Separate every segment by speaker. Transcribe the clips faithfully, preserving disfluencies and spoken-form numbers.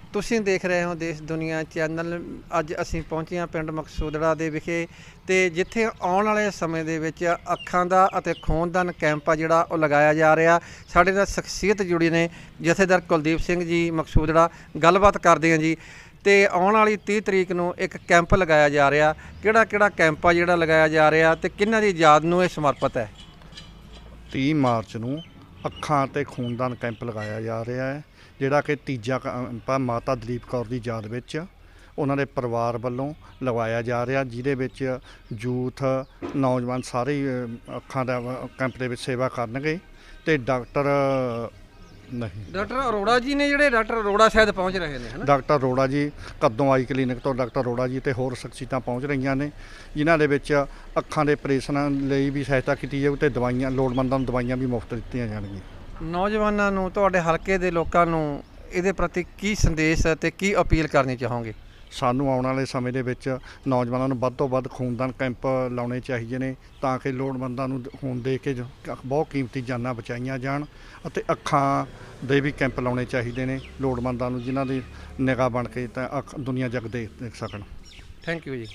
Speaker 1: ਤੁਸੀਂ ਦੇਖ ਰਹੇ ਹੋ ਦੇਸ਼ ਦੁਨੀਆ ਚੈਨਲ। ਅੱਜ ਅਸੀਂ ਪਹੁੰਚੇ ਹਾਂ ਪਿੰਡ ਮਕਸੂਦੜਾ ਦੇ ਵਿਖੇ, ਤੇ ਜਿੱਥੇ ਆਉਣ ਵਾਲੇ ਸਮੇਂ ਦੇ ਵਿੱਚ ਅੱਖਾਂ ਦਾ ਅਤੇ ਖੂਨਦਾਨ ਕੈਂਪ ਆ ਜਿਹੜਾ ਉਹ ਲਗਾਇਆ ਜਾ ਰਿਹਾ। ਸਾਡੇ ਨਾਲ ਸ਼ਖਸੀਅਤ ਜੁੜੀ ਨੇ, ਜਥੇਦਾਰ ਕੁਲਦੀਪ ਸਿੰਘ ਜੀ ਮਕਸੂਦੜਾ। ਗੱਲਬਾਤ ਕਰਦੇ ਹਾਂ ਜੀ। ਤੇ ਆਉਣ ਵਾਲੀ ਤੀਹ ਤਰੀਕ ਨੂੰ ਇੱਕ ਕੈਂਪ ਲਗਾਇਆ ਜਾ ਰਿਹਾ। ਕਿਹੜਾ ਕਿਹੜਾ ਕੈਂਪ ਆ ਜਿਹੜਾ ਲਗਾਇਆ ਜਾ ਰਿਹਾ ਤੇ ਕਿਹਨਾਂ ਦੀ ਯਾਦ ਨੂੰ ਇਹ ਸਮਰਪਿਤ ਹੈ?
Speaker 2: ਤੀਹ ਮਾਰਚ ਨੂੰ ਅੱਖਾਂ ਅਤੇ ਖੂਨਦਾਨ ਕੈਂਪ ਲਗਾਇਆ ਜਾ ਰਿਹਾ ਹੈ, ਜਿਹੜਾ ਕਿ ਤੀਜਾ ਕੈਂਪ ਆ ਮਾਤਾ ਦਲੀਪ ਕੌਰ ਦੀ ਯਾਦ ਵਿੱਚ ਉਹਨਾਂ ਦੇ ਪਰਿਵਾਰ ਵੱਲੋਂ ਲਗਵਾਇਆ ਜਾ ਰਿਹਾ, ਜਿਹਦੇ ਵਿੱਚ ਯੂਥ ਨੌਜਵਾਨ ਸਾਰੇ ਹੀ ਅੱਖਾਂ ਦਾ ਕੈਂਪ ਦੇ ਵਿੱਚ ਸੇਵਾ ਕਰਨਗੇ। ਤੇ ਡਾਕਟਰ ਨਹੀਂ
Speaker 1: ਡਾਕਟਰ ਅਰੋੜਾ ਜੀ ਨੇ, ਜਿਹੜੇ ਡਾਕਟਰ ਅਰੋੜਾ ਸ਼ਾਇਦ ਪਹੁੰਚ ਰਹੇ ਨੇ, ਹੈ ਨਾ?
Speaker 2: ਡਾਕਟਰ ਅਰੋੜਾ ਜੀ ਕਦੋਂ ਆਈ ਕਲੀਨਿਕ ਤੋਂ ਡਾਕਟਰ ਅਰੋੜਾ ਜੀ ਤੇ ਹੋਰ ਸ਼ਖਸੀਅਤਾਂ ਪਹੁੰਚ ਰਹੀਆਂ ਨੇ, ਜਿਨ੍ਹਾਂ ਦੇ ਵਿੱਚ ਅੱਖਾਂ ਦੇ ਆਪਰੇਸ਼ਨਾਂ ਲਈ ਵੀ ਸਹਾਇਤਾ ਕੀਤੀ ਜਾਊ ਤੇ ਦਵਾਈਆਂ ਲੋੜਵੰਦਾਂ ਨੂੰ ਦਵਾਈਆਂ ਵੀ ਮੁਫਤ ਦਿੱਤੀਆਂ ਜਾਣਗੀਆਂ।
Speaker 1: ਨੌਜਵਾਨਾਂ ਨੂੰ, ਤੁਹਾਡੇ ਹਲਕੇ ਦੇ ਲੋਕਾਂ ਨੂੰ ਇਹਦੇ ਪ੍ਰਤੀ ਕੀ ਸੰਦੇਸ਼ ਤੇ ਕੀ ਅਪੀਲ ਕਰਨੀ ਚਾਹੋਗੇ?
Speaker 2: ਸਾਨੂੰ ਆਉਣ ਵਾਲੇ ਸਮੇਂ ਦੇ ਵਿੱਚ ਨੌਜਵਾਨਾਂ ਨੂੰ ਵੱਧ ਤੋਂ ਵੱਧ ਖੂਨਦਾਨ ਕੈਂਪ ਲਾਉਣੇ ਚਾਹੀਦੇ ਨੇ, ਤਾਂ ਕਿ ਲੋੜਵੰਦਾਂ ਨੂੰ ਖੂਨ ਦੇ ਕੇ ਬਹੁਤ ਕੀਮਤੀ ਜਾਨਾਂ ਬਚਾਈਆਂ ਜਾਣ। ਅਤੇ ਅੱਖਾਂ ਦੇ ਵੀ ਕੈਂਪ ਲਾਉਣੇ ਚਾਹੀਦੇ ਨੇ ਲੋੜਵੰਦਾਂ ਨੂੰ, ਜਿਨ੍ਹਾਂ ਦੀ ਨਿਗਾਹ ਬਣ ਕੇ ਤਾਂ ਅੱਖ ਦੁਨੀਆ ਜਗ ਦੇਖ ਦੇਖ ਸਕਣ।
Speaker 1: ਥੈਂਕ ਯੂ ਜੀ।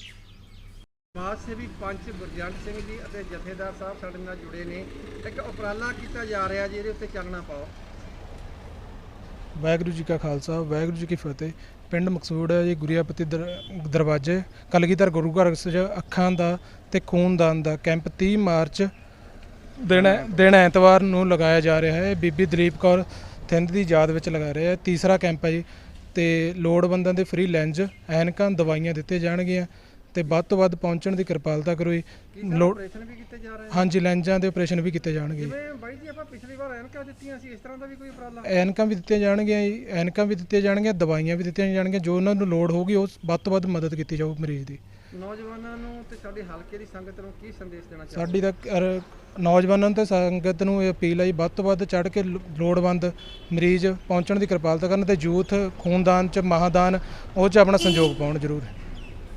Speaker 1: ਸਮਾਜ ਸੇਵੀ ਪੰਚ ਗੁਰਜੰਟ ਸਿੰਘ ਜੀ ਅਤੇ ਜਥੇਦਾਰ ਸਾਹਿਬ ਸਾਡੇ ਨਾਲ ਜੁੜੇ ਨੇ। ਇੱਕ ਉਪਰਾਲਾ ਕੀਤਾ ਜਾ ਰਿਹਾ ਜੀ, ਇਹਦੇ ਉੱਤੇ ਚਾਨਣਾ ਪਾਓ।
Speaker 3: ਵਾਹਿਗੁਰੂ ਜੀ ਕਾ ਖਾਲਸਾ, ਵਾਹਿਗੁਰੂ ਜੀ ਕੀ ਫਤਿਹ। ਪਿੰਡ ਮਕਸੂਦ ਹੈ ਜੀ, ਗੁਰੀਆਪਤੀ ਦਰ ਦਰਵਾਜ਼ੇ ਕਲਗੀਧਰ ਗੁਰੂ ਘਰ ਵਿੱਚ ਅੱਖਾਂ ਦਾ ਤੇ ਖੂਨਦਾਨ ਦਾ ਕੈਂਪ ਤੀਹ ਮਾਰਚ ਦਿਨ ਦਿਨ ਐਤਵਾਰ ਨੂੰ ਲਗਾਇਆ ਜਾ ਰਿਹਾ ਹੈ। ਬੀਬੀ ਦਲੀਪ ਕੌਰ ਥਿੰਦ ਦੀ ਯਾਦ ਵਿੱਚ ਲਗਾ ਰਿਹਾ ਹੈ। ਤੀਸਰਾ ਕੈਂਪ ਹੈ ਜੀ, ਤੇ ਲੋੜਵੰਦਾਂ ਦੇ ਫ੍ਰੀ ਲੈਂਜ, ਐਨਕਾਂ, ਦਵਾਈਆਂ ਦਿੱਤੇ ਜਾਣਗੀਆਂ ਤੇ ਵੱਧ ਤੋਂ ਵੱਧ ਪਹੁੰਚਣ ਦੀ ਕਿਰਪਾਲਤਾ ਕਰੋ ਜੀ।
Speaker 1: ਆਪਰੇਸ਼ਨ ਵੀ ਕੀਤੇ ਜਾ ਰਹੇ ਨੇ?
Speaker 3: ਹਾਂਜੀ, ਲੈਂਜਾਂ ਦੇ ਆਪਰੇਸ਼ਨ ਵੀ ਕੀਤੇ ਜਾਣਗੇ।
Speaker 1: ਜਿਵੇਂ ਬਾਈ ਜੀ ਆਪਾਂ ਪਿਛਲੀ ਵਾਰ ਐਨਕਾਂ ਦਿੱਤੀਆਂ ਸੀ, ਇਸ ਤਰ੍ਹਾਂ ਦਾ ਵੀ ਕੋਈ ਉਪਰਾਲਾ?
Speaker 3: ਐਨਕਾਂ ਵੀ ਦਿੱਤੀਆਂ ਜਾਣਗੀਆਂ ਜੀ, ਐਨਕਾਂ ਵੀ ਦਿੱਤੀਆਂ ਜਾਣਗੀਆਂ, ਦਵਾਈਆਂ ਵੀ ਦਿੱਤੀਆਂ ਜਾਣਗੀਆਂ। ਜੋ ਉਹਨਾਂ ਨੂੰ ਲੋੜ ਹੋਊਗੀ ਉਹ ਵੱਧ ਤੋਂ ਵੱਧ ਮਦਦ ਕੀਤੀ ਜਾਊ ਮਰੀਜ਼ ਦੀ।
Speaker 1: ਨੌਜਵਾਨਾਂ ਨੂੰ ਤੇ ਸਾਡੇ ਹਲਕੇ ਦੀ ਸੰਗਤ ਨੂੰ ਕੀ ਸੰਦੇਸ਼ ਦੇਣਾ ਚਾਹੁੰਦੇ?
Speaker 3: ਸਾਡੀ ਤਾਂ ਨੌਜਵਾਨਾਂ ਨੂੰ ਤੇ ਸੰਗਤ ਨੂੰ ਇਹ ਅਪੀਲ ਹੈ ਜੀ, ਵੱਧ ਤੋਂ ਵੱਧ ਚੜ੍ਹ ਕੇ ਲੋੜਵੰਦ ਮਰੀਜ਼ ਪਹੁੰਚਣ ਦੀ ਕਿਰਪਾਲਤਾ ਕਰਨ ਤੇ ਯੂਥ ਖੂਨਦਾਨ 'ਚ ਮਹਾਦਾਨ ਉਹ 'ਚ ਆਪਣਾ ਸੰਯੋਗ ਪਾਉਣ ਜ਼ਰੂਰ।